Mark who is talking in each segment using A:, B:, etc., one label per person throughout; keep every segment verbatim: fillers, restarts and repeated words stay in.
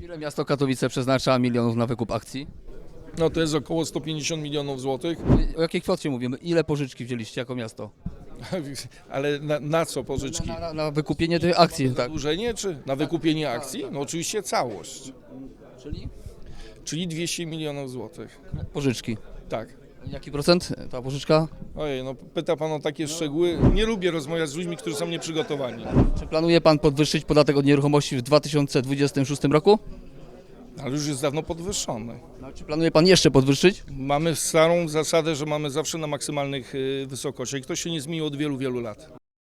A: Ile miasto Katowice przeznacza milionów na wykup akcji?
B: No to jest około sto pięćdziesiąt milionów złotych,
A: O jakiej kwocie mówimy? Ile pożyczki wzięliście jako miasto?
B: ale na, na co pożyczki?
A: Na, na, na wykupienie tych akcji, tak.
B: Zadłużenie czy na wykupienie akcji? No oczywiście całość,
A: Czyli
B: czyli dwieście milionów złotych.
A: pożyczki.
B: Tak.
A: Jaki procent ta pożyczka?
B: Ojej, no pyta pan o takie szczegóły. Nie lubię rozmawiać z ludźmi, którzy są nieprzygotowani.
A: Czy planuje pan podwyższyć podatek od nieruchomości w dwa tysiące dwudziestym szóstym roku?
B: Ale już jest dawno podwyższony.
A: No, czy planuje pan jeszcze podwyższyć?
B: Mamy starą zasadę, że mamy zawsze na maksymalnych y, wysokościach i to się nie zmieniło od wielu, wielu lat.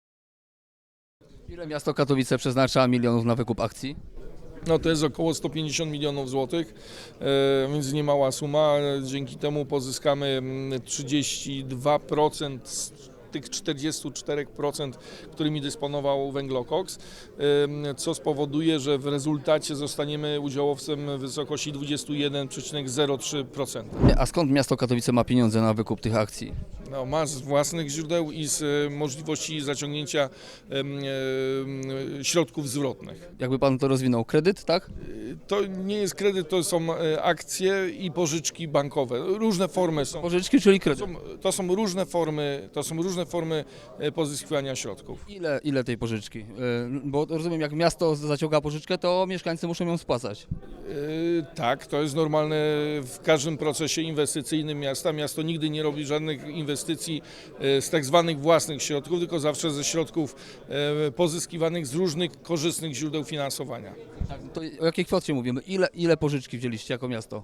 A: Ile miasto Katowice przeznacza milionów na wykup akcji?
B: No to jest około sto pięćdziesiąt milionów złotych, e, więc nie mała suma. Dzięki temu pozyskamy mm, trzydzieści dwa procent z tych czterdziestu czterech procent, którymi dysponował Węglokoks, e, co spowoduje, że w rezultacie zostaniemy udziałowcem w wysokości dwadzieścia jeden przecinek zero trzy procent.
A: A skąd miasto Katowice ma pieniądze na wykup tych akcji?
B: No, ma z własnych źródeł i z e, możliwości zaciągnięcia em, e, środków zwrotnych.
A: Jakby pan to rozwinął? Kredyt, tak?
B: To nie jest kredyt, to są e, akcje i pożyczki bankowe. Różne formy są.
A: Pożyczki, czyli
B: To
A: kredyt.
B: są, to są różne formy, to są różne formy e, pozyskiwania środków.
A: Ile, ile tej pożyczki? Yy, Bo rozumiem, jak miasto zaciąga pożyczkę, to mieszkańcy muszą ją spłacać.
B: E, tak, to jest normalne w każdym procesie inwestycyjnym miasta. Miasto nigdy nie robi żadnych inwestycji e, z tak zwanych własnych środków, tylko zawsze ze środków e, pozyskiwanych z różnych korzystnych źródeł finansowania.
A: Tak, to o jakiej kwocie mówimy? Ile, ile pożyczki wzięliście jako miasto?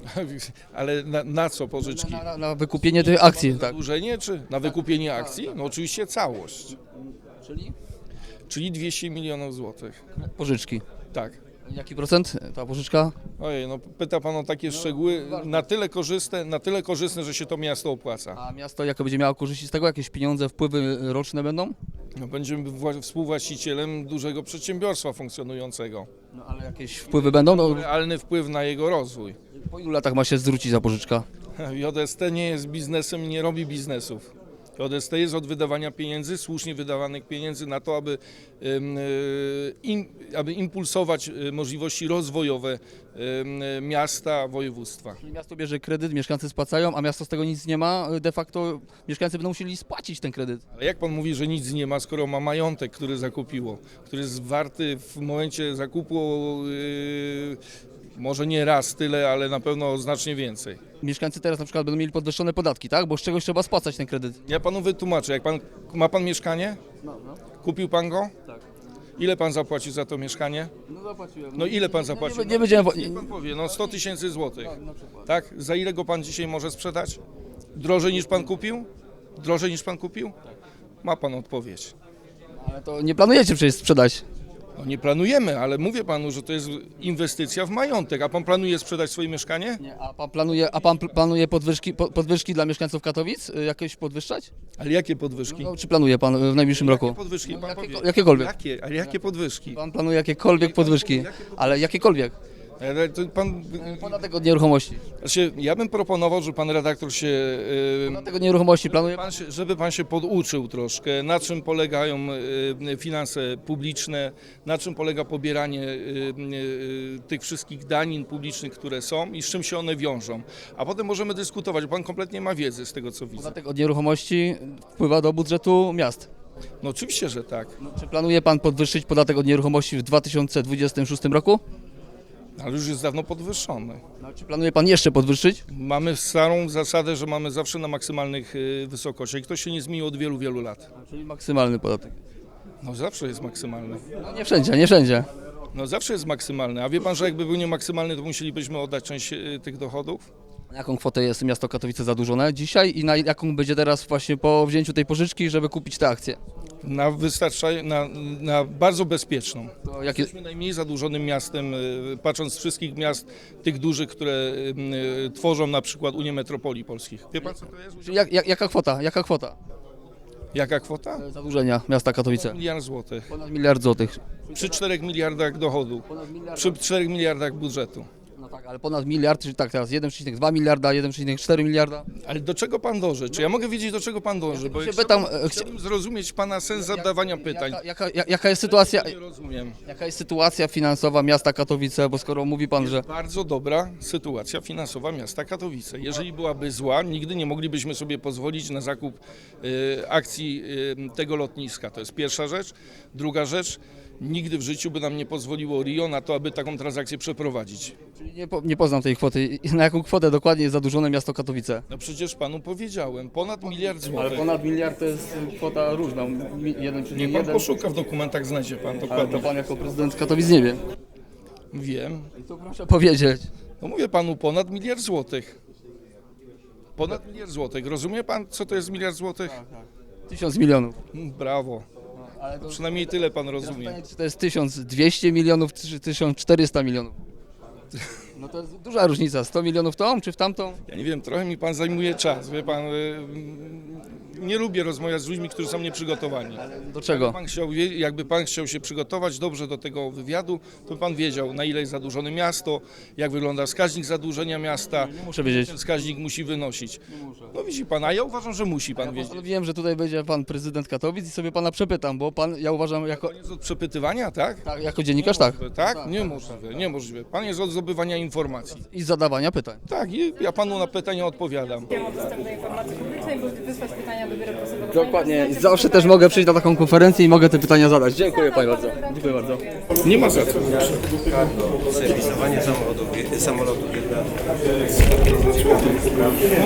B: Ale na, na co pożyczki?
A: Na, na, na wykupienie tych akcji, tak.
B: Zadłużenie czy na wykupienie akcji? No oczywiście całość,
A: Czyli
B: czyli dwieście milionów złotych.
A: pożyczki.
B: Tak.
A: Jaki procent ta pożyczka?
B: Ojej, no pyta pan o takie szczegóły na tyle korzystne, na tyle korzystne, że się to miasto opłaca.
A: A miasto jako będzie miało korzyści z tego? Jakieś pieniądze, wpływy roczne będą?
B: No, będziemy wła- współwłaścicielem dużego przedsiębiorstwa funkcjonującego.
A: No ale jakieś wpływy będą? No,
B: Realny wpływ na jego rozwój.
A: po ilu latach ma się zwrócić za pożyczka?
B: J S T nie jest biznesem i nie robi biznesów. J S T jest od wydawania pieniędzy, słusznie wydawanych pieniędzy na to, aby, ym, y, im, aby impulsować y, możliwości rozwojowe ym, y, miasta, województwa.
A: Czyli miasto bierze kredyt, mieszkańcy spłacają, a miasto z tego nic nie ma. De facto mieszkańcy będą musieli spłacić ten kredyt.
B: Ale jak pan mówi, że nic nie ma, skoro ma majątek, który zakupiło, który jest warty w momencie zakupu yy, może nie raz tyle, ale na pewno znacznie więcej.
A: Mieszkańcy teraz na przykład będą mieli podwyższone podatki, tak? Bo z czegoś trzeba spłacać ten kredyt.
B: Ja panu wytłumaczę, jak pan, ma pan mieszkanie?
A: No, no.
B: Kupił pan go?
A: Tak.
B: Ile pan zapłacił za to mieszkanie?
A: No zapłaciłem.
B: No ile pan zapłacił?
A: Nie, nie będziemy...
B: Niech pan powie, no sto tysięcy złotych.
A: Na przykład.
B: Tak? Za ile go pan dzisiaj może sprzedać? Drożej niż pan kupił? Drożej niż pan kupił? Ma pan odpowiedź.
A: Ale to nie planujecie przecież sprzedać.
B: No nie planujemy, ale mówię panu, że to jest inwestycja w majątek. A pan planuje sprzedać swoje mieszkanie?
A: Nie, a pan planuje, a pan pl- planuje podwyżki, po- podwyżki dla mieszkańców Katowic? Y, Jakieś podwyższać?
B: Ale jakie podwyżki?
A: No, czy planuje pan y, w najbliższym roku?
B: Jakie podwyżki?
A: No,
B: Pan
A: jakiego-
B: powie.
A: jakiekolwiek.
B: Jakie? Ale jakie podwyżki?
A: Pan planuje jakiekolwiek podwyżki, ale jakiekolwiek.
B: Ale to pan,
A: Podatek od nieruchomości.
B: znaczy, ja bym proponował, że pan redaktor się, yy,
A: Podatek od nieruchomości planuje pan?
B: pan się, żeby pan się poduczył troszkę, na czym polegają yy, finanse publiczne, na czym polega pobieranie yy, yy, tych wszystkich danin publicznych, które są i z czym się one wiążą. A potem możemy dyskutować, bo pan kompletnie ma wiedzy z tego, co widzę.
A: Podatek od nieruchomości wpływa do budżetu miast.
B: No oczywiście, że tak.
A: Czy planuje pan podwyższyć podatek od nieruchomości w dwa tysiące dwudziestym szóstym roku?
B: Ale już jest dawno podwyższony.
A: No, czy planuje pan jeszcze podwyższyć?
B: Mamy starą zasadę, że mamy zawsze na maksymalnych y, wysokościach i to się nie zmieniło od wielu, wielu lat.
A: Czyli maksymalny podatek.
B: No zawsze jest maksymalny.
A: No, nie wszędzie, nie wszędzie.
B: No zawsze jest maksymalny. A wie pan, że jakby był niemaksymalny, to musielibyśmy oddać część y, tych dochodów?
A: Na jaką kwotę jest miasto Katowice zadłużone dzisiaj i na jaką będzie teraz właśnie po wzięciu tej pożyczki, żeby kupić te akcje?
B: Na wystarczaj, na, na bardzo bezpieczną.
A: To jakie,
B: Jesteśmy najmniej zadłużonym miastem, y, patrząc z wszystkich miast, tych dużych, które y, y, tworzą na przykład Unię Metropolii Polskich. Wie pan, co to jest?
A: czyli jak, jak, jaka kwota? Jaka kwota
B: Jaka kwota?
A: zadłużenia miasta Katowice?
B: Miliard złotych.
A: Ponad miliard złotych.
B: Przy czterech miliardach dochodu.
A: Ponad miliard.
B: Przy czterech miliardach budżetu.
A: No tak, Ale ponad miliard, czyli tak teraz jeden przecinek dwa miliarda, jeden przecinek cztery miliarda.
B: Ale do czego pan dąży? Czy ja mogę wiedzieć, do czego pan dąży? Bo
A: się
B: ja
A: pytam,
B: chciałbym,
A: e, chcia-
B: chciałbym zrozumieć pana sens zadawania pytań.
A: Jaka, jaka, ja- jaka jest sytuacja,
B: Nie rozumiem.
A: jaka jest sytuacja finansowa miasta Katowice, bo skoro mówi pan, że
B: Bardzo dobra sytuacja finansowa miasta Katowice. Jeżeli byłaby zła, nigdy nie moglibyśmy sobie pozwolić na zakup y, akcji y, tego lotniska. To jest pierwsza rzecz. Druga rzecz, nigdy w życiu by nam nie pozwoliło Rio na to, aby taką transakcję przeprowadzić.
A: nie, po, nie poznam tej kwoty, I na jaką kwotę dokładnie jest zadłużone miasto Katowice?
B: No przecież panu powiedziałem, ponad miliard
A: Ale
B: złotych.
A: ponad miliard to jest kwota różna, mi- jeden
B: Niech
A: przecinek
B: pan
A: jeden.
B: poszuka w dokumentach, znajdzie pan
A: Ale to
B: dokładnie.
A: pan jako prezydent Katowic nie wie.
B: Wiem.
A: To proszę powiedzieć.
B: No mówię panu, ponad miliard złotych. Ponad miliard złotych. Rozumie pan, co to jest miliard złotych?
A: Tysiąc milionów.
B: Mm, Brawo.
A: Ale to,
B: Przynajmniej tyle pan
A: teraz
B: rozumie.
A: pytanie, czy to jest tysiąc dwieście milionów, czy tysiąc czterysta milionów? No to jest duża różnica. sto milionów w tą, czy w tamtą?
B: Ja nie wiem, trochę mi pan zajmuje czas, wie pan. y, Nie lubię rozmawiać z ludźmi, którzy są nieprzygotowani.
A: Do czego?
B: Pan chciał, wie- jakby pan chciał się przygotować dobrze do tego wywiadu, to by pan wiedział, na ile jest zadłużone miasto, jak wygląda wskaźnik zadłużenia miasta.
A: Muszę wiedzieć.
B: Ten wskaźnik musi wynosić. No widzi pan, a ja uważam, że musi pan wiedzieć.
A: Wiem, że tutaj będzie pan prezydent Katowic i sobie pana przepytam, bo pan, ja uważam, jako,
B: Pan jest od przepytywania, tak?
A: tak, jako dziennikarz tak.
B: Tak? Niemożliwe, niemożliwe. Pan jest od zdobywania informacji.
A: I zadawania pytań.
B: Tak, i ja panu na pytania odpowiadam.
C: Temat dostępu do informacji publicznej, by wysłać pytania do Biura Prasowego.
A: Dokładnie. Zawsze też mogę przyjść na taką konferencję i mogę te pytania zadać. Dziękuję panie bardzo. Dziękuję bardzo.
B: Nie ma za co.
D: Serwisowanie samochodów, samolotów jedna.